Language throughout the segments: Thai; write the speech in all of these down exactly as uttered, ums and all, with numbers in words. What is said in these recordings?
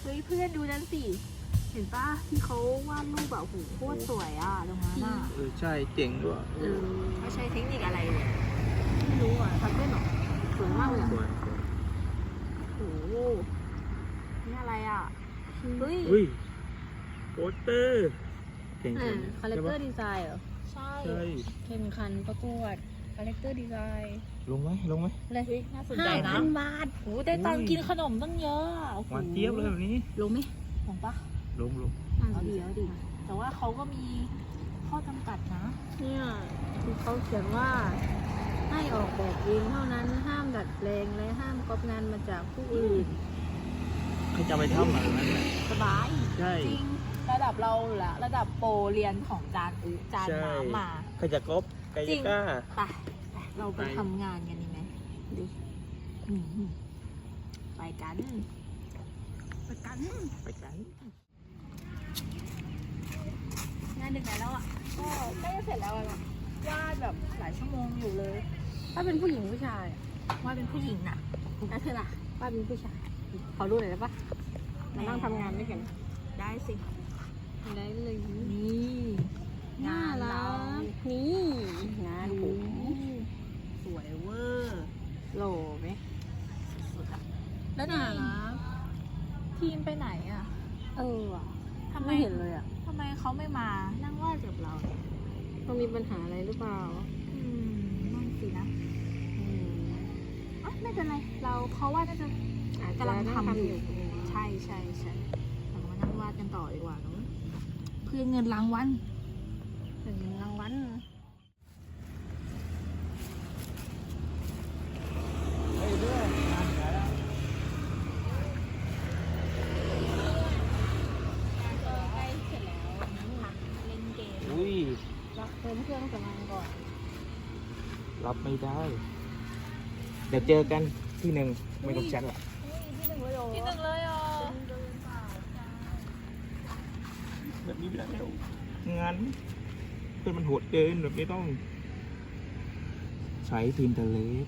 เฮ้ยเพื่อนดูนั่นสิเห็นปะที่เขาวาดรูปแบบโหโคตรสวยอ่ะตรงนั้นอ่ะเออใช่เจ๋งด้วยเออเขาใช้เทคนิคอะไรเนี่ยไม่รู้อ่ะทำได้หรอสวยมากเลยอ่ะสวยโอ้โหนี่อะไรอ่ะเฮ้ยอุ้ยโปสเตอร์เก่งอ่าจังคาแรคเตอร์ดีไซน์เหรอใช่ใช่แข่งขันประกวดคาแรคเตอร์ดีไซน์ลงไหมลงไหมเลยเฮ้ยน่าสนใจห้านะพันบาทโอ้ได้ตังค์กินขนมตั้งเยอะอ่ะโอ้โหวานเจี๊ยบเลยแบบนี้ลงไหมของปะลงลงเอาดีเอาดีแต่ว่าเขาก็มีข้อจำกัดนะเนี่ยคือเขาเขียนว่าให้ออกแบบเองเท่านั้นห้ามดัดแปลงและห้ามก๊อปงานมาจากผู้อื่นใครจะไปทำอะไรนั้นเนี่ยสบายใช่จริงระดับเราละระดับโปรเรียนของจานอุจานใช่น้ำมาใครจะก๊อปใครจริจะงกล้าไปไปเราไปไปทำงานกันดีไหมดิอืมไปกันไปกันไปกันงานดึกไหนแล้วอ่ะก็ใกล้จะเสร็จแล้วอะแบบวาดแบบหลายชั่วโมงอยู่เลยถ้าเป็นผู้หญิงผู้ชายวาดเป็นผู้หญิงน่ะแล้วเธอล่ะว่าเป็นผู้ชายขอรู้หน่อยได้ปะมานั่งทำงานด้วยกันได้สิได้เลยนี่น่ารักนี่งานผมสวยเวอร์โหลไหมสุดๆอะแล้วน่านี่รักทีมไปไหนอ่ะเออว่ะทำไมไม่เห็นเลยอ่ะทำไมเขาไม่มานั่งวาดกับเราเนี่ยต้องมีปัญหาอะไรหรือเปล่าอืมนั่นสินะอืมอ่ะไม่เป็นไร เราเขาว่าน่าจะอาจจะกำลังทำอยู่นั่งทำอยู่ใช่ใช่ใช่เรามานั่งวาดกันต่อดีกว่าเนอะเพื่อเงินรางวัลเป็นรางวัลเฮ้ยเรื่องงานแล้วใกล้เสร็จแล้วพักเล่นเกมอุ้ยรักเติมเครื่องสำอางก่อนรับไม่ได้ เดี๋ยวเจอกันที่หนึ่งไม่ต้องแชทหรอกที่หนึ่งเลยเหรอที่หนึ่งเลยอ่ะแบบนี้ไม่ได้แล้วงานเพื่อนมันโหดเกินแบบนี้ต้อง ใช้พิมพ์ทะเลส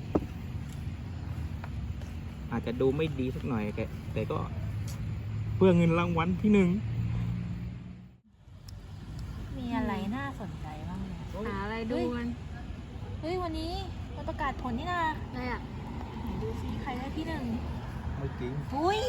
อาจจะดูไม่ดีสักหน่อยแกแต่ก็ เพื่อเงินรางวัลที่หนึ่งมีอะไรน่าสนใจบ้างเนี่ยหาอะไรดูกันเฮ้ยวันนี้มันประกาศผลนี่นะอะไรอ่ะไหนดูซิใครได้ที่หนึ่งไม่จริงอุ้ย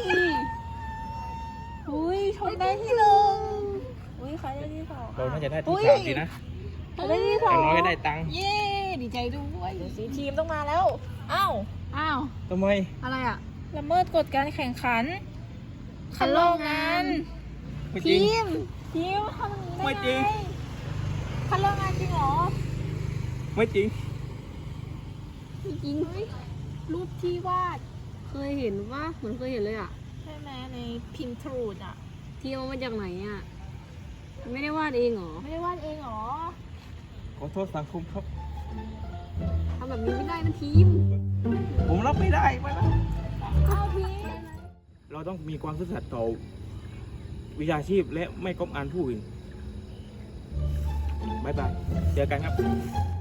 อุ้ยชนได้ที่หนึ่งอุ้ยใครได้ที่สองเราน่าจะได้ที่อุ๊ยสามสินะใครได้ที่สออย่างน้อยก็ได้ตังค์เย้ดีใจด้วยเดี๋ยวสิทีมต้องมาแล้วอ้าวอ้าวทำไมอะไรอ่ะละเมิดกฎการแข่งขันคัดลอกงานไม่จริงทีมทีมทำอย่างนี้ได้ไม่จริงไงคัดลอกงานจริงเหรอไม่จริงจริงรูปที่วาดเคยเห็นว่าเหมือนเคยเห็นเลยอ่ะใช่ไหมในพิมพ์ทรูดอ่ะที่เอามาจากไหนอ่ะ ไม่ได้วาดเองเหรอไม่ได้วาดเองเหรอขอโทษสังคมครับทำแบบนี้ไม่ได้นะทีมผมรับไม่ได้ไม่ได้เข้าทีมเราต้องมีความซื่อสัตย์ต่อวิชาชีพและไม่ก๊อปอ่านผู้อื่นบายบาย เจอกันครับ